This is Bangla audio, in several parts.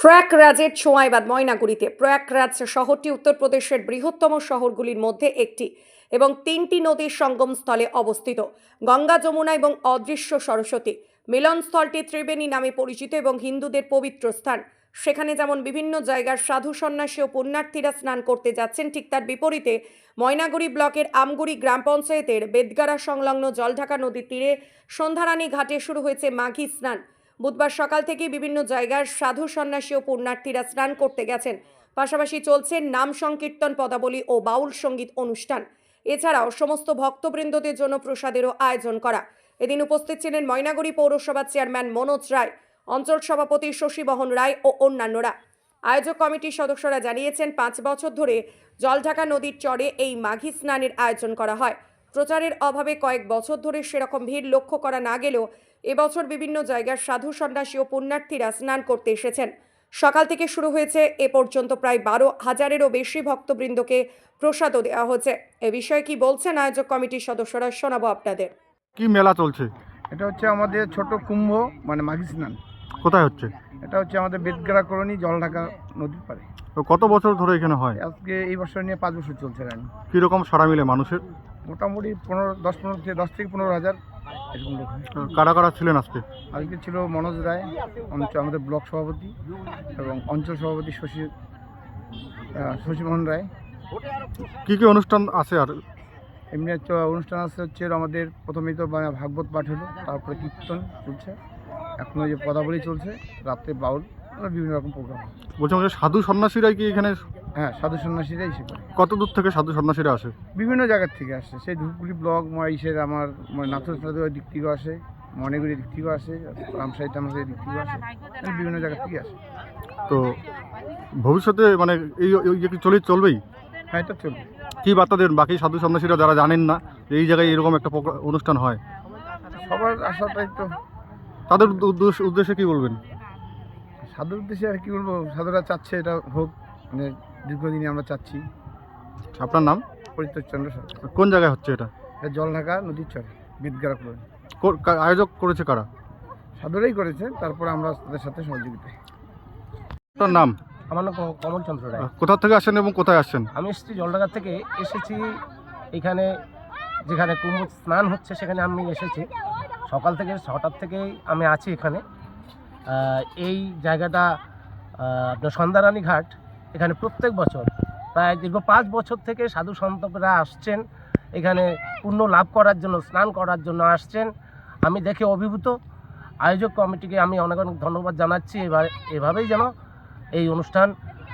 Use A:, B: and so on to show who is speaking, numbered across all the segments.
A: প্রয়াগরাজের ছোঁয়া এবার ময়নাগুড়িতে। প্রয়াগরাজ শহরটি উত্তরপ্রদেশের বৃহত্তম শহরগুলির মধ্যে একটি এবং 3টি নদীর সঙ্গমস্থলে অবস্থিত। গঙ্গা, যমুনা এবং অদৃশ্য সরস্বতী মিলনস্থলটি ত্রিবেণী নামে পরিচিত এবং হিন্দুদের পবিত্র স্থান। সেখানে যেমন বিভিন্ন জায়গার সাধু সন্ন্যাসী ও পুণ্যার্থীরা স্নান করতে যাচ্ছেন, ঠিক তার বিপরীতে ময়নাগুড়ি ব্লকের আমগুড়ি গ্রাম পঞ্চায়েতের বেদগাড়া সংলগ্ন জলঢাকা নদীর তীরে সন্ধ্যারানী ঘাটে শুরু হয়েছে মাঘী স্নান। বুধবার সকাল থেকে বিভিন্ন জায়গার সাধু সন্ন্যাসী ও পুণ্যার্থীরা স্নান করতে গেছেন। পাশাপাশি চলছে নাম সংকীর্তন, পদাবলী ও বাউল সঙ্গীত অনুষ্ঠান। এছাড়াও সমস্ত ভক্তবৃন্দদের জন্য প্রসাদেরও আয়োজন করা। এদিন উপস্থিত ছিলেন ময়নাগুড়ি পৌরসভার চেয়ারম্যান মনোজ রায়, অঞ্চল সভাপতি শশীবহন রায় ও অন্যান্যরা। আয়োজক কমিটির সদস্যরা জানিয়েছেন, 5 বছর ধরে জলঢাকা নদীর চরে এই মাঘী স্নানের আয়োজন করা হয়। প্রচারের অভাবে কয়েক বছর ধরে সেরকম ভিড় লক্ষ্য করা না গেলেও এবছর বিভিন্ন জায়গার সাধু সন্ন্যাসী ও পুণ্যার্থীরা স্নান করতে এসেছেন। সকাল থেকে শুরু হয়েছে, এ পর্যন্ত প্রায় 12,000-এরও বেশি ভক্তবৃন্দকে প্রসাদও দেওয়া হচ্ছে। এ বিষয়ে কি বলছেন আয়োজক কমিটির সদস্যরা, শোনাবো আপনাদের।
B: কি মেলা চলছে?
C: এটা হচ্ছে আমাদের ছোট কুম্ভ, মানে মাঘী স্নান।
B: কোথায় হচ্ছে?
C: এটা হচ্ছে আমাদের বেদগাড়া কলোনি, জলঢাকা নদীর পাড়ে।
B: তো কত বছর ধরে এখানে হয়?
C: আজকে এই বছর নিয়ে 5 বছর চলছে রানি।
B: কিরকম সাড়া মিলে মানুষের?
C: মোটামুটি 10 থেকে 15,000 এরকম লোক হয়।
B: কারা কারা ছিলেন আজকে?
C: আজকে ছিল মনোজ রায়, আমাদের ব্লক সভাপতি, এবং অঞ্চল সভাপতি শশীমোহন রায়।
B: কি কি অনুষ্ঠান আছে? আর
C: এমনি হচ্ছে অনুষ্ঠান আছে, হচ্ছে আমাদের প্রথমেই তো ভাগবত পাঠ হলো, তারপরে কীর্তন চলছে, এখন ওই যে পদাবলী চলছে, রাত্রে বাউল, বিভিন্ন রকম প্রোগ্রাম।
B: বলছিলাম যে সাধু সন্ন্যাসীরাই কি এখানে?
C: হ্যাঁ, সাধু সন্ন্যাসীরাই এসে করে।
B: কত দূর থেকে সাধু সন্ন্যাসীরা আসে?
C: বিভিন্ন জায়গার থেকে আসে, সেই ধূপগুড়ি ব্লক আমার নাথুর দিক থেকেও আসে, ময়নাগুড়ির দিক থেকেও আসে, রামসাই টামসাই দিক থেকেও আসে, বিভিন্ন জায়গার থেকে আসে।
B: তো ভবিষ্যতে মানে এই কি চলবেই?
C: হ্যাঁ, এটা চলবে।
B: কি বার্তা দেন বাকি সাধু সন্ন্যাসীরা যারা জানেন না যে এই জায়গায় এরকম একটা অনুষ্ঠান হয়?
C: সবার আশাটাই তো,
B: তাদের উদ্দেশ্যে কি বলবেন?
C: সাধুর উদ্দেশ্যে আর কি বলবো, সাধুরা চাচ্ছে এটা হোক, মানে দীর্ঘদিনে আমরা চাচ্ছি।
B: আপনার নাম?
C: পরিতোষ চন্দ্র সরকার।
B: কোন জায়গায় হচ্ছে এটা?
C: এটা জলঢাকা নদীর চরে, বেদগাড়া কলোনি।
B: আয়োজক করেছে কারা?
C: সাধুরাই করেছে, তারপরে আমরা তাদের সাথে সহযোগিতায়।
B: আপনার নাম?
D: আমার নাম কমল চন্দ্র রায়।
B: কোথা থেকে আসেন এবং কোথায় আসছেন?
D: আমি এসেছি জলঢাকা থেকে, এসেছি এখানে যেখানে কুম্ভ স্নান হচ্ছে সেখানে আমি এসেছি। সকাল থেকে 6টার থেকেই আমি আছি এখানে। এই জায়গাটা আপনার সন্ধ্যারানী ঘাট, এখানে প্রত্যেক বছর প্রায় দীর্ঘ 5 বছর থেকে সাধু সন্তরা আসছেন এখানে পুণ্য লাভ করার জন্য, স্নান করার জন্য আসছেন। আমি দেখে অভিভূত। আয়োজক কমিটিকে আমি অনেক অনেক ধন্যবাদ জানাচ্ছি। এভাবেই যেন এই অনুষ্ঠান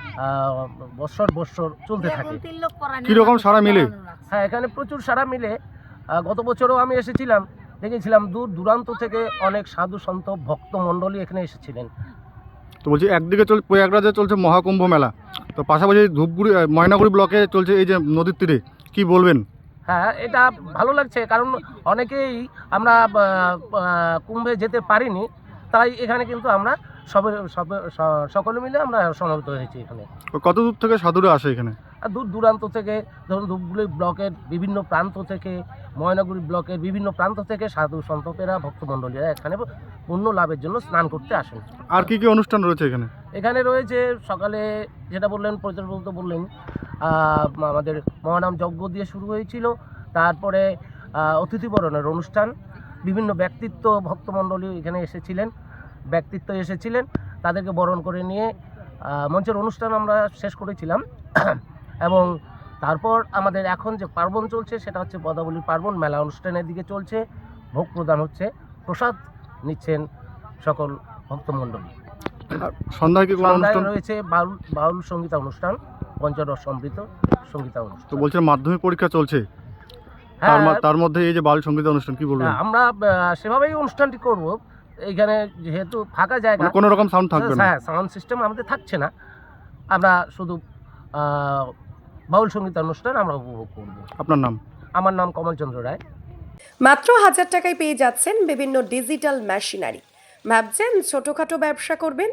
D: বৎসর চলতে থাকে।
B: কীরকম সাড়া মিলে?
D: হ্যাঁ, এখানে প্রচুর সাড়া মিলে। গত বছরও আমি এসেছিলাম, দেখেছিলাম দূর দূরান্ত থেকে অনেক সাধু সন্ত ভক্ত মণ্ডলী এখানে এসেছিলেন।
B: তো বলছি, একদিকে প্রয়াগরাজে চলছে মহাকুম্ভ মেলা, তো পাশাপাশি ধূপগুড়ি ময়নাগুড়ি ব্লকে চলছে এই যে নদীর তীরে, কি বলবেন?
D: হ্যাঁ, এটা ভালো লাগছে, কারণ অনেকেই আমরা কুম্ভে যেতে পারিনি, তাই এখানে কিন্তু আমরা সকলে মিলে আমরা সমবেত হয়েছি এখানে।
B: কত দূর থেকে সাধুরা আসে এখানে?
D: আর দূর দূরান্ত থেকে, ধরুন ধূপগুড়ি ব্লকের বিভিন্ন প্রান্ত থেকে, ময়নাগুড়ি ব্লকের বিভিন্ন প্রান্ত থেকে সাধু সন্তকেরা, ভক্তমণ্ডলীরা এখানে পুণ্য লাভের জন্য স্নান করতে আসেন।
B: আর কি কি অনুষ্ঠান রয়েছে এখানে?
D: এখানে রয়েছে সকালে যেটা বললেন, পরিচালক বললেন, আমাদের মহানাম যজ্ঞ দিয়ে শুরু হয়েছিল। তারপরে অতিথিবরণের অনুষ্ঠান, বিভিন্ন ব্যক্তিত্ব ভক্তমণ্ডলী এখানে এসেছিলেন, তাদেরকে বরণ করে নিয়ে মঞ্চের অনুষ্ঠান আমরা শেষ করেছিলাম। এবং তারপর আমাদের এখন যে পার্বণ চলছে সেটা হচ্ছে পদাবলীর পার্বণ। মেলা অনুষ্ঠানের দিকে চলছে, ভোগ প্রদান হচ্ছে, প্রসাদ নিচ্ছেন সকল ভক্তমণ্ডলী।
B: সন্ধ্যায় কি কোনো অনুষ্ঠান
D: রয়েছে? বাউল সঙ্গীতা অনুষ্ঠান, পঞ্চরস সমৃদ্ধ সঙ্গীতা অনুষ্ঠান।
B: তো বলছেন মাধ্যমিক পরীক্ষা চলছে,
D: হ্যাঁ,
B: তার মধ্যে এই যে বাউল সঙ্গীতা অনুষ্ঠান, কি বলবেন?
D: আমরা সেভাবেই অনুষ্ঠানটি করব। এইখানে যেহেতু ফাঁকা জায়গা,
B: কোনো রকম সাউন্ড থাকবে না?
D: হ্যাঁ, সাউন্ড সিস্টেম আমাদের থাকছে না, আমরা শুধু বাউল সঙ্গীত অনুষ্ঠান আমরা উপভোগ করব।
B: আপনার নাম?
D: আমার নাম কমল চন্দ্র রায়।
A: মাত্র 1000 টাকায় পেয়ে যাচ্ছেন বিভিন্ন ডিজিটাল মেশিনারি। ভাবছেন ছোটোখাটো ব্যবসা করবেন?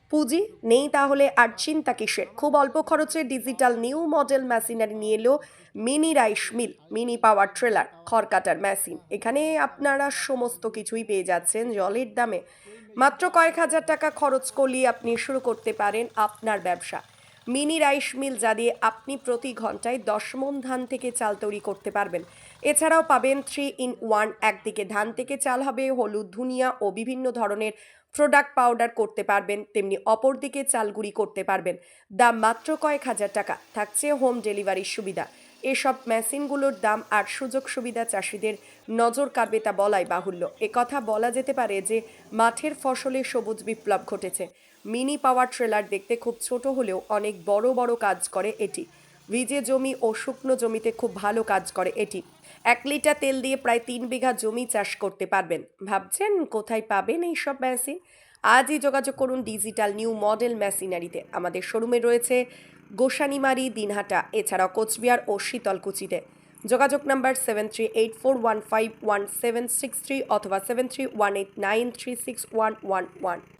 A: পুঁজি নেই তাহলে আর চিন্তা কিসের? খুব অল্প খরচে ডিজিটাল নিউ মডেল মেশিনারি নিয়ে এলো mini rice mill, mini power trailer, খড় কাটার মেশিন। এখানে আপনারা সমস্ত কিছুই পেয়ে যাচ্ছেন জলের দামে। মাত্র কয়েক হাজার টাকা খরচ করলেই আপনি শুরু করতে পারেন আপনার ব্যবসা। মিনি রাইস মিল যা দিয়ে আপনি প্রতি ঘন্টায় 10 মণ ধান থেকে চাল তৈরি করতে পারবেন। এছাড়াও পাবেন 3-in-1, একদিকে ধান থেকে চাল হবে, হলুদ, ধনিয়া ও বিভিন্ন ধরনের প্রোডাক্ট পাউডার করতে পারবেন, তেমনি অপরদিকে চাল গুঁড়ি করতে পারবেন। দাম মাত্র কয়েক হাজার টাকা, থাকছে হোম ডেলিভারির সুবিধা। এসব মেশিনগুলোর দাম আর সুযোগ সুবিধা চাষিদের নজর কাড়বে তা বলাই বাহুল্য। একথা বলা যেতে পারে যে মাঠের ফসলে সবুজ বিপ্লব ঘটেছে। মিনি পাওয়ার ট্রেলার দেখতে খুব ছোট হলেও অনেক বড় বড় কাজ করে এটি। ভিজে জমি ও শুকনো জমিতে খুব ভালো কাজ করে এটি। 1 লিটার তেল দিয়ে প্রায় 3 বিঘা জমি চাষ করতে পারবেন। ভাবছেন কোথায় পাবেন এই সব মেশিন? আজই যোগাযোগ করুন ডিজিটাল নিউ মডেল মেশিনারিতে। আমাদের শোরুমে রয়েছে গোসানিমারি, দিনহাটা, এছাড়াও কোচবিহার ও শীতলকুচিতে। যোগাযোগ নাম্বার 7384151763 অথবা 7318936111।